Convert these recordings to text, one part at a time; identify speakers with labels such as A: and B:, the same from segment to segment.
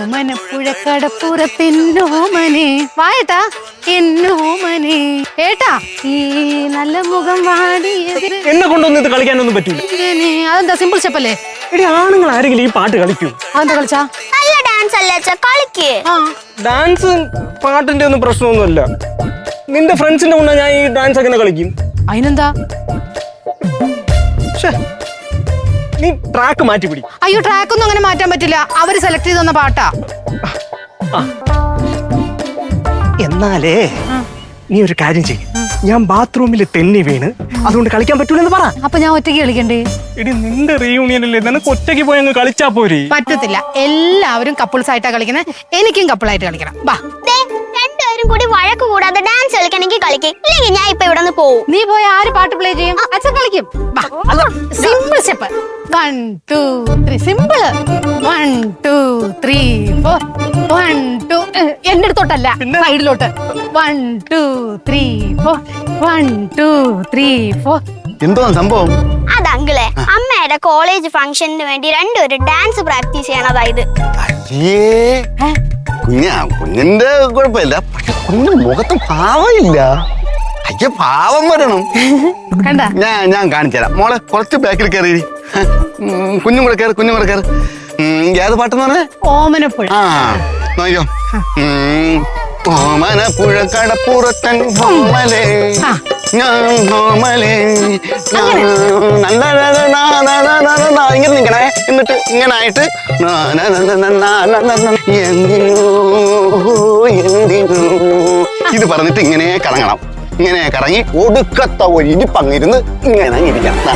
A: എന്നോമനപ്പുഴത്തെന്നോമനെ വായേട്ടാ എന്നോമനെ ഏട്ടാ ഈ നല്ല മുഖം വാടിയത്
B: എന്നെ കൊണ്ടൊന്നും ഇത് കളിക്കാനൊന്നും പറ്റൂല.
A: അതെന്താ സിമ്പിൾ സ്റ്റെപ്പല്ലേ?
B: എടി ആണുങ്ങൾ ആരെങ്കിലും ഈ പാട്ട് കളിക്കൂ?
A: അതെന്താ കളിച്ചാ?
C: നല്ല ഡാൻസ് അല്ലേ കളിക്ക്.
B: ഡാൻസ് പാട്ടിന്റെ ഒന്നും പ്രശ്നമൊന്നുമല്ല. നിന്റെ ഫ്രണ്ട്സിന്റെ മുന്നേ ഞാൻ ഈ ഡാൻസ് എങ്ങനെ കളിക്കും?
A: അതിനെന്താ?
B: നീ ട്രാക്ക് മാറ്റി പിടി.
A: അയ്യോ ട്രാക്ക് ഒന്നും അങ്ങനെ മാറ്റാൻ പറ്റില്ല. അവര് സെലക്ട് ചെയ്ത് തന്ന പാട്ടാ.
B: എന്നാലേ നീ ഒരു കാര്യം ചെയ്യും, ഞാൻ ബാത്റൂമിൽ തെന്നി വീണ് അതുകൊണ്ട് കളിക്കാൻ പറ്റൂലെന്ന് പറ.
A: അപ്പൊ ഞാൻ ഒറ്റയ്ക്ക് കളിക്കണ്ടേ?
B: എടി നിന്റെ റീയൂണിയനല്ലേ, നിനക്ക് ഒറ്റയ്ക്ക് പോയി അങ്ങ് കളിച്ചാ പോരെ?
A: പറ്റത്തില്ല, എല്ലാവരും കപ്പിൾസ് ആയിട്ടാ കളിക്കുന്നത്. എനിക്കും കപ്പിളായിട്ട് കളിക്കണം. ബാ
C: രണ്ടുപേരും കൂടി വഴക്ക് കൂടാതെ ഡാൻസ് കളിക്കണമെങ്കിൽ കളിക്ക്, ഇല്ലെങ്കിൽ ഞാൻ ഇപ്പൊ ഇവിടെ നിന്ന് പോവും.
A: നീ പോയി ആര് പാട്ട് പ്ലേ ചെയ്യും? അച്ഛൻ കളിക്കും. സിമ്പിൾ സ്റ്റെപ്പ് 1 2 3 സിമ്പിൾ 1 2 3 4 1 2 എന്റെ അടുത്തോട്ടല്ല സൈഡിലോട്ട് 1 2 3 4 1 2 3 4.
D: എന്തോ സംഭവം?
C: അത് അങ്കിളെ അമ്മയുടെ കോളേജ് ഫംഗ്ഷന് വേണ്ടി രണ്ടുപേരും ഡാൻസ് പ്രാക്ടീസ് ചെയ്യണതായത്.
D: കുഞ്ഞിന്റെ കുഴപ്പമില്ല, പക്ഷെ കുഞ്ഞിന്റെ മുഖത്ത് ഭാവമില്ല. അയ്യ ഭാവം വരണം. ഞാൻ കാണിച്ചുതരാം. മോളെ കുറച്ച് ബാക്കിൽ കയറി, കുഞ്ഞും കൂടെ കയറി, കുഞ്ഞും കൂടെ കയറി. ഏത് പാട്ടെന്ന് പറഞ്ഞേ?
A: ഓമനപ്പുഴ.
D: ആ നോക്കിയോ, ഓമനപ്പുഴ കടപ്പുറത്തൻ ഹോമലേ ഹോമലേ ഇങ്ങനെ നിൽക്കണേ. എന്നിട്ട് ഇങ്ങനെ ആയിട്ട് എന്തിനോ എന്തിനോ ഇത് പറഞ്ഞിട്ട് ഇങ്ങനെ കറങ്ങണം. ഇങ്ങനെ കറങ്ങി ഒടുക്കത്ത ഒരു ഇരിപ്പങ്ങിരുന്ന് ഇങ്ങനെ ഇരിക്കണം.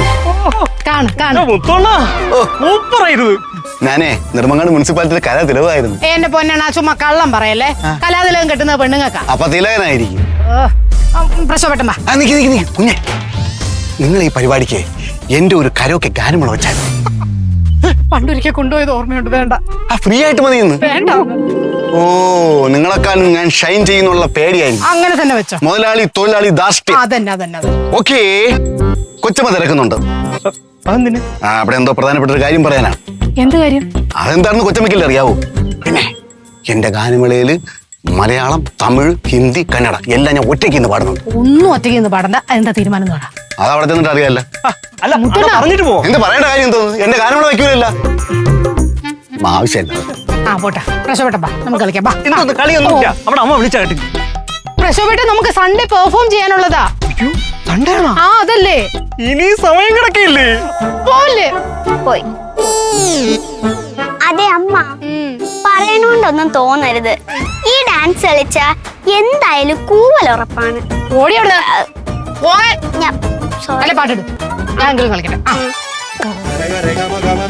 D: ഞാനേ നെടുമങ്ങാട് മുനിസിപ്പാലിറ്റിയിലെ കലാതിലകമായിരുന്നു.
A: എന്റെ പൊന്നാണ് ചുമ്മാ കള്ളം പറയല്ലേ. കലാതിലകം കിട്ടുന്ന പെണ്ണുങ്ങൾക്കാ.
D: അപ്പൊ തിലകനായിരിക്കും.
A: പ്രശ്നപ്പെട്ട
D: കുഞ്ഞെ, നിങ്ങൾ ഈ പരിപാടിക്ക് എന്റെ ഒരു കരോക്കെ ഗാനമുള്ള വെച്ചാൽ
A: പണ്ടൊരിക്കൽ കൊണ്ടുപോയത് ഓർമ്മയുണ്ട്. വേണ്ട,
D: ഫ്രീ ആയിട്ട് മതി.
A: വേണ്ട.
D: ഓ നിങ്ങളെക്കാളും ഞാൻ ഷൈൻ ചെയ്യുന്നുള്ള പേടിയായിരുന്നു.
A: അങ്ങനെ തന്നെ വെച്ചോ.
D: മുതലാളി തൊഴിലാളി ധാർഷ്ട്യം.
A: അതന്നെ.
D: ഓക്കേ, കൊച്ചമ്മ തിരക്കുന്നുണ്ട്. അവിടെ എന്തോ പ്രധാനപ്പെട്ട ഒരു കാര്യം പറയാനാണ്.
A: എന്ത് കാര്യം?
D: അതെന്താണെന്ന് കൊച്ചമ്മയ്ക്കല്ലേ അറിയാവൂ. പിന്നെ എന്റെ ഗാനമേളയില് മലയാളം, തമിഴ്, ഹിന്ദി, കന്നഡ എല്ലാം ഞാൻ ഒറ്റയ്ക്ക് ഇന്ന് പാടുന്നുണ്ട്.
A: ഒന്നും ഒറ്റയ്ക്ക് ഇന്ന് പാടണ്ട. എന്താ തീരുമാനം?
D: അത് അവിടെ ചെന്നിട്ട് അറിയാല്ല. എന്ത് പറയേണ്ട കാര്യം എന്തോ? എന്റെ ഗാനമേള വയ്ക്കൂലല്ല, ആവശ്യമല്ല.
A: പോട്ടെ പ്രശ്നപ്പെട്ടപ്പാ, നമുക്ക് കളിക്കാം. പ്രശ്നപ്പെട്ട നമുക്ക് സൺഡേ പെർഫോം ചെയ്യാനുള്ളതാ. അതല്ലേ
B: ഇനി സമയം കിടക്കില്ലേ?
A: പോവല്ലേ?
C: പോയി. അതെ അമ്മ, പറയണോണ്ടൊന്നും തോന്നരുത്. ഈ ഡാൻസ് കളിച്ച എന്തായാലും കൂവൽ ഉറപ്പാണ്.
A: ഓടിയോട്
C: ഞാൻ
A: പാട്ടിടും. ഞാൻ കളിക്കട്ടെ.